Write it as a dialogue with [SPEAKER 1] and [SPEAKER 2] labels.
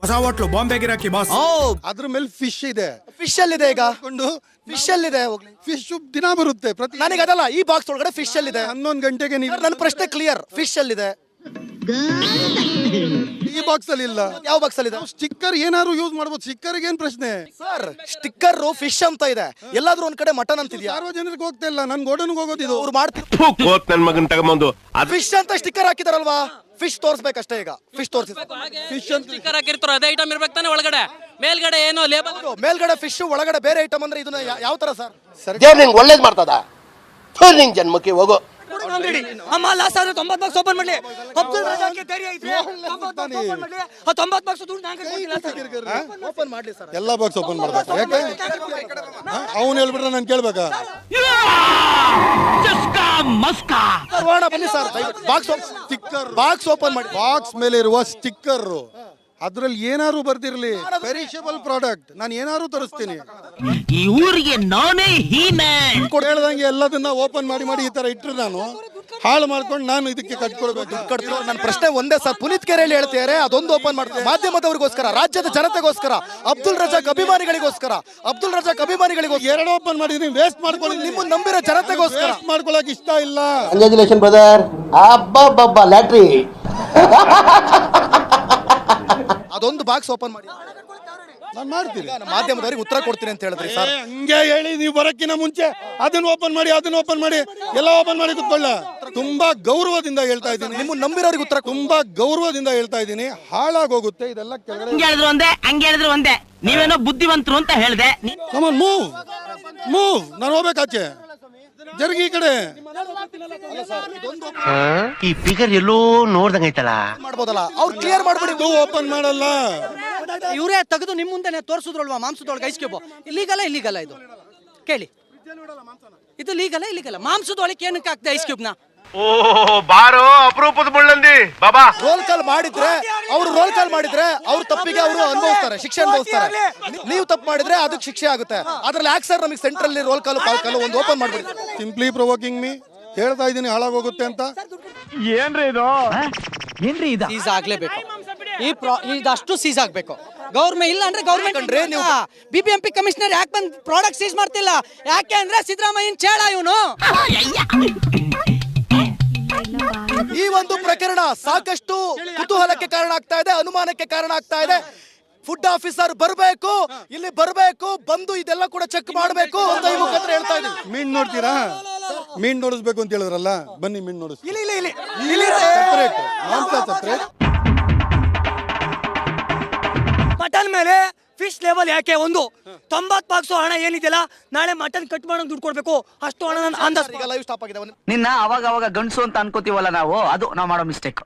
[SPEAKER 1] ಹೊಸ ಹೋಟ್ಲು ಬಾಂಬೆ ಗಿರಾಕಿ ಬಾಸ್.
[SPEAKER 2] ಅದ್ರ ಮೇಲೆ ಫಿಶ್ ಇದೆ.
[SPEAKER 3] ಫಿಶ್ ಅಲ್ಲಿದೆ ಈಗ, ಫಿಶ್ ಅಲ್ಲಿದೆ. ಹೋಗ್ಲಿ,
[SPEAKER 2] ಫಿಶ್ ದಿನ ಬರುತ್ತೆ ಪ್ರತಿ.
[SPEAKER 3] ನನಗೆ ಅದಲ್ಲ, ಈ ಬಾಕ್ಸ್ ಒಳಗಡೆ ಫಿಶ್ ಅಲ್ಲಿದೆ.
[SPEAKER 2] 11 ಗಂಟೆಗೆ ನೀವು.
[SPEAKER 3] ನನ್ನ ಪ್ರಶ್ನೆ ಕ್ಲಿಯರ್. ಫಿಶ್ ಅಲ್ಲಿದೆ,
[SPEAKER 2] ಈ ಬಾಕ್ಸ್ ಅಲ್ಲಿ ಇಲ್ಲ.
[SPEAKER 3] ಯಾವ ಬಾಕ್ಸ್ ಅಲ್ಲಿ ಇದೆ?
[SPEAKER 2] ಸ್ಟಿಕ್ಕರ್ ಏನಾದ್ರು ಯೂಸ್ ಮಾಡಬಹುದು. ಸ್ಟಿಕ್ಕರ್ ಏನ್ ಪ್ರಶ್ನೆ
[SPEAKER 3] ಸರ್? ಸ್ಟಿಕ್ಕರ್ ಫಿಶ್ ಅಂತ ಇದೆ, ಎಲ್ಲಾದ್ರೂ ಒಂದ್ ಕಡೆ ಮಟನ್ ಅಂತಿದ್ಯಾ?
[SPEAKER 2] ಸಾರ್ವಜನಿಕರಿಗೆ ಹೋಗ್ತಾ ಇಲ್ಲ, ನನ್ ಗೋಡನ್ಗೆ ಹೋಗೋದಿದು.
[SPEAKER 3] ಅವ್ರು ಮಾಡ್ತಿದ್ರು
[SPEAKER 4] ನನ್ ಮಗನ್ ತಗೊಂಬಂದು
[SPEAKER 3] ಫಿಶ್ ಅಂತ ಸ್ಟಿಕ್ಕರ್ ಹಾಕಿದಾರಲ್ವಾ, ಫಿಶ್ ತೋರಿಸ್ಬೇಕಷ್ಟೇ. ಈಗ ಫಿಶ್ ತೋರಿಸಿ,
[SPEAKER 2] ಫಿಶ್ ಅಂತ
[SPEAKER 5] ಸ್ಟಿಕ್ಕರ್ ಹಾಕಿರ್ತಾರೋ ಅದೇ ಐಟಮ್ ಇರ್ಬೇಕು ತಾನೆ ಒಳಗಡೆ. ಮೇಲ್ಗಡೆ ಏನೋ ಲೇಬಲ್,
[SPEAKER 3] ಮೇಲ್ಗಡೆ ಫಿಶ್ ಒಳಗಡೆ ಬೇರೆ ಐಟಮ್ ಅಂದ್ರೆ ಇದನ್ನ ಯಾವ ತರ ಸರ್?
[SPEAKER 6] ದೇವ್ರು ನಿಂಗೆ ಒಳ್ಳೇದ್ ಮಾಡ್ತದ. ನಿಂಗೆ ಜನ್ಮಕ್ಕೆ ಹೋಗೋ.
[SPEAKER 7] ಅಮ್ಮ ಲಾಸ್ಟ್ ಆದ್ರೆ 90 ಬಾಕ್ಸ್ ಓಪನ್ ಮಾಡ್ಲಿ. ಅಬ್ದುಲ್ ರಜಾಕ್ಗೆ ಧೈರ್ಯ ಐತೆ 90 ಬಾಕ್ಸ್ ಓಪನ್ ಮಾಡ್ಲಿ. ಆ 90 ಬಾಕ್ಸ್ ದುಡ್ಡು ನಾನು ಕೊಡ್ತೀನಿ.
[SPEAKER 3] ಓಪನ್ ಮಾಡ್ಲಿ ಸರ್.
[SPEAKER 2] ಎಲ್ಲಾ ಬಾಕ್ಸ್ ಓಪನ್ ಮಾಡ್ಬೇಕು. ಯಾಕೆ ಅವ್ನು ಹೇಳ್ಬಿಟ್ರೆ ನಾನು ಕೇಳ್ಬೇಕಾ?
[SPEAKER 3] ಬನ್ನಿ sir, box
[SPEAKER 2] sticker,
[SPEAKER 3] box open ಮಾಡಿ.
[SPEAKER 2] ಬಾಕ್ಸ್ ಮೇಲೆ ಇರುವ ಸ್ಟಿಕ್ಕರ್ ಅದ್ರಲ್ಲಿ ಏನಾರು ಬರ್ದಿರ್ಲಿ, ಪೆರಿಷಬಲ್ ಪ್ರಾಡಕ್ಟ್, ನಾನು ಏನಾರು ತರಿಸ್ತೀನಿ.
[SPEAKER 7] ಈ ಊರಿಗೆ ನಾನೇ ಹೀನೆ
[SPEAKER 2] ಹೇಳ್ದಂಗೆ ಎಲ್ಲದನ್ನ ಓಪನ್ ಮಾಡಿ ಈ ತರ ಇಟ್ರೆ ನಾನು ಹಾಳು ಮಾಡ್ಕೊಂಡು ನಾನು ಇದಕ್ಕೆ ಕಟ್ಕೊಳ್ಬೇಕು.
[SPEAKER 3] ನನ್ನ ಪ್ರಶ್ನೆ ಒಂದೇ ಸರ್, ಪುನೀತ್ ಕೆರೆಯಲ್ಲಿ ಹೇಳ್ತಿದ್ದಾರೆ ಅದೊಂದು ಓಪನ್ ಮಾಡ್ತಾರೆ ಮಾಧ್ಯಮದವರಿಗೋಸ್ಕರ, ರಾಜ್ಯದ ಜನತೆಗೋಸ್ಕರ, ಅಬ್ದುಲ್ ರಜಾಕ್ ಅಭಿಮಾನಿಗಳಿಗೋಸ್ಕರ, ಅಬ್ದುಲ್ ರಜಾಕ್ ಅಭಿಮಾನಿಗಳಿಗೋಸ್ಕರ.
[SPEAKER 2] ಎರಡು ಓಪನ್ ಮಾಡಿದೀನಿ, ವೇಸ್ಟ್ ಮಾಡ್ಕೊಳ್ಳಿ.
[SPEAKER 3] ನಿಮ್ಮ ನಂಬಿರೋ ಜನತೆಗೋಸ್ಕರ
[SPEAKER 2] ಮಾಡ್ಕೊಳಕ್ ಇಷ್ಟ ಇಲ್ಲ.
[SPEAKER 6] Congratulation brother. ಅಬ್ಬಬ್ಬಬ್ಬ ಲ್ಯಾಟ್ರಿ.
[SPEAKER 3] ಅದೊಂದು ಬಾಕ್ಸ್ ಓಪನ್ ಮಾಡಿ,
[SPEAKER 2] ನಾನು ಮಾಡ್ತೀನಿ.
[SPEAKER 3] ಮಾಧ್ಯಮದವರಿಗೆ ಉತ್ತರ ಕೊಡ್ತೀನಿ ಅಂತ ಹೇಳಿದ್ರಿ ಸರ್.
[SPEAKER 2] ಹಂಗೆ ಹೇಳಿ ನೀವು ಬರಕ್ಕಿನ ಮುಂಚೆ ಅದನ್ನ ಓಪನ್ ಮಾಡಿ ಎಲ್ಲ ಓಪನ್ ಮಾಡಿ ಕುತ್ಕೊಳ್ಳ. ತುಂಬಾ ಗೌರವದಿಂದ ಹೇಳ್ತಾ ಇದ್ದೀನಿ,
[SPEAKER 3] ನಿಮ್ಮ ನಂಬಿರೋರಿಗೆ ಉತ್ತರ.
[SPEAKER 2] ತುಂಬಾ ಗೌರವದಿಂದ ಹೇಳ್ತಾ ಇದ್ದೀನಿ. ಹಾಳಾಗೋಗುತ್ತೆ ಇದೆಲ್ಲ ಕೆಳಗಡೆ.
[SPEAKER 7] ಹಂಗೆ ಹೇಳಿದ್ರು ಒಂದೇ, ಹಂಗೆ ಹೇಳಿದ್ರು ಒಂದೇ. ನೀವೇನೋ ಬುದ್ಧಿವಂತರು ಅಂತ ಹೇಳ್ದೆ.
[SPEAKER 2] ಮೂವ್ ನಾನು ಹೋಗ್ಬೇಕಾಚೆ, ಜರುಗಿ ಈ ಕಡೆ.
[SPEAKER 6] ಈ ಫಿಗರ್ ಎಲ್ಲೋ ನೋಡ್ದಂಗೈತಲ್ಲ.
[SPEAKER 3] ಮಾಡ್ಬೋದಲ್ಲ, ಅವ್ರು ಕ್ಲಿಯರ್ ಮಾಡ್ಬಿಡಿ.
[SPEAKER 2] ಓಪನ್ ಮಾಡಲ್ಲ.
[SPEAKER 7] ಇವರೇ ತೆಗೆದು ನಿಮ್ಮ ಮುಂದೆ ತೋರಿಸಿದ್ರಲ್ವಾ ಮಾಂಸದೊಳಗೆ ಐಸ್ ಕ್ಯೂಬ್. ಇಲ್ಲಿಗಲ್ಲ ಇದು ಕೇಳಿ. ಇದು ಲೀಗಲ್ಲ ಮಾಂಸದೊಳಗೆ ಏನಕ್ಕೆ ಹಾಕ್ದೆ ಐಸ್ ಕ್ಯೂಬ್ನ?
[SPEAKER 4] ಓ ಬಾರೋ ಅಪರೂಪದ ಮುಳ್ಳಂದಿ ಬಾಬಾ.
[SPEAKER 3] ರೋಲ್ ಕಾಲ್ ಮಾಡಿದ್ರೆ ಅವ್ರ ತಪ್ಪಿಗೆ ಅವರು ಅನುಭವಿಸ್ತಾರೆ, ಶಿಕ್ಷೆ ಅನುಭವಿಸ್ತಾರೆ. ನೀವು ತಪ್ಪು ಮಾಡಿದ್ರೆ ಅದಕ್ಕೆ ಶಿಕ್ಷೆ ಆಗುತ್ತೆ. ಅದ್ರಲ್ಲಿ ಯಾಕೆ ಸರ್ ನಮಗೆ ಸೆಂಟ್ರಲ್ ರೋಲ್ ಕಾಲ್ ಪಾಲ್ ಕಾಲ್ ಒಂದು ಓಪನ್ ಮಾಡ್ಬಿಡಿ.
[SPEAKER 2] Simply provoking me. ಹೇಳ್ತಾ ಇದ್ದೀನಿ ಹಾಳಾಗೋಗುತ್ತೆ ಅಂತ.
[SPEAKER 4] ಏನ್ರಿ ಇದು?
[SPEAKER 7] ಸೀಸ್ ಆಗ್ಲೇಬೇಕು. ಇದಷ್ಟು ಸೀಸ್ ಆಗ್ಬೇಕು. ಗೌರ್ಮೆಂಟ್ ಇಲ್ಲ ಅಂದ್ರೆ ಗೌರ್ಮೆಂಟ್ ಅಂದ್ರೆ ನೀವು BBMP ಕಮಿಷನರ್ ಯಾಕೆ ಬಂದು ಪ್ರಾಡಕ್ಟ್ ಸೀಸ್ ಮಾಡ್ತಿಲ್ಲ? ಯಾಕೆ ಅಂದ್ರೆ ಸಿದ್ದರಾಮಯ್ಯನ್ ಚೇಳ ಇವನು.
[SPEAKER 3] ಈ ಒಂದು ಪ್ರಕರಣ ಸಾಕಷ್ಟು ಕುತೂಹಲಕ್ಕೆ ಕಾರಣ ಆಗ್ತಾ ಇದೆ, ಅನುಮಾನಕ್ಕೆ ಕಾರಣ ಆಗ್ತಾ ಇದೆ. ಫುಡ್ ಆಫೀಸರ್ ಬರಬೇಕು, ಇಲ್ಲಿ ಬರಬೇಕು, ಬಂದು ಇದೆಲ್ಲ ಕೂಡ ಚೆಕ್ ಮಾಡಬೇಕು ಅಂತ ಈ ಮುಖಾಂತರ ಹೇಳ್ತಾ ಇದ್ದೀವಿ.
[SPEAKER 2] ಮೀನ್ ನೋಡ್ತೀರಾ? ಮೀನ್ ನೋಡಿಸ್ಬೇಕು ಅಂತ ಹೇಳಿದ್ರಲ್ಲ, ಬನ್ನಿ ಮೀನ್ ನೋಡಿಸ್.
[SPEAKER 7] ಮಟನ್ ಮೇಲೆ ಫಿಶ್ ಲೆವೆಲ್ ಯಾಕೆ? ಒಂದು 90 ಬಾಕ್ಸ್ ಹಣ ಏನಿದೆಯಲ್ಲ, ನಾಳೆ ಮಟನ್ ಕಟ್ ಮಾಡೋದು ದುಡ್ಡು ಕೊಡ್ಬೇಕು. ಅಷ್ಟು ಹಣ
[SPEAKER 3] ಲೈವ್ ಸ್ಟಾಪ್ ಆಗಿದೆ.
[SPEAKER 8] ನಿನ್ನ ಅವಾಗ ಗಂಡಸು ಅಂತ ಅನ್ಕೋತೀವಲ್ಲ ನಾವು, ಅದು ನಾವು ಮಾಡೋ ಮಿಸ್ಟೇಕ್.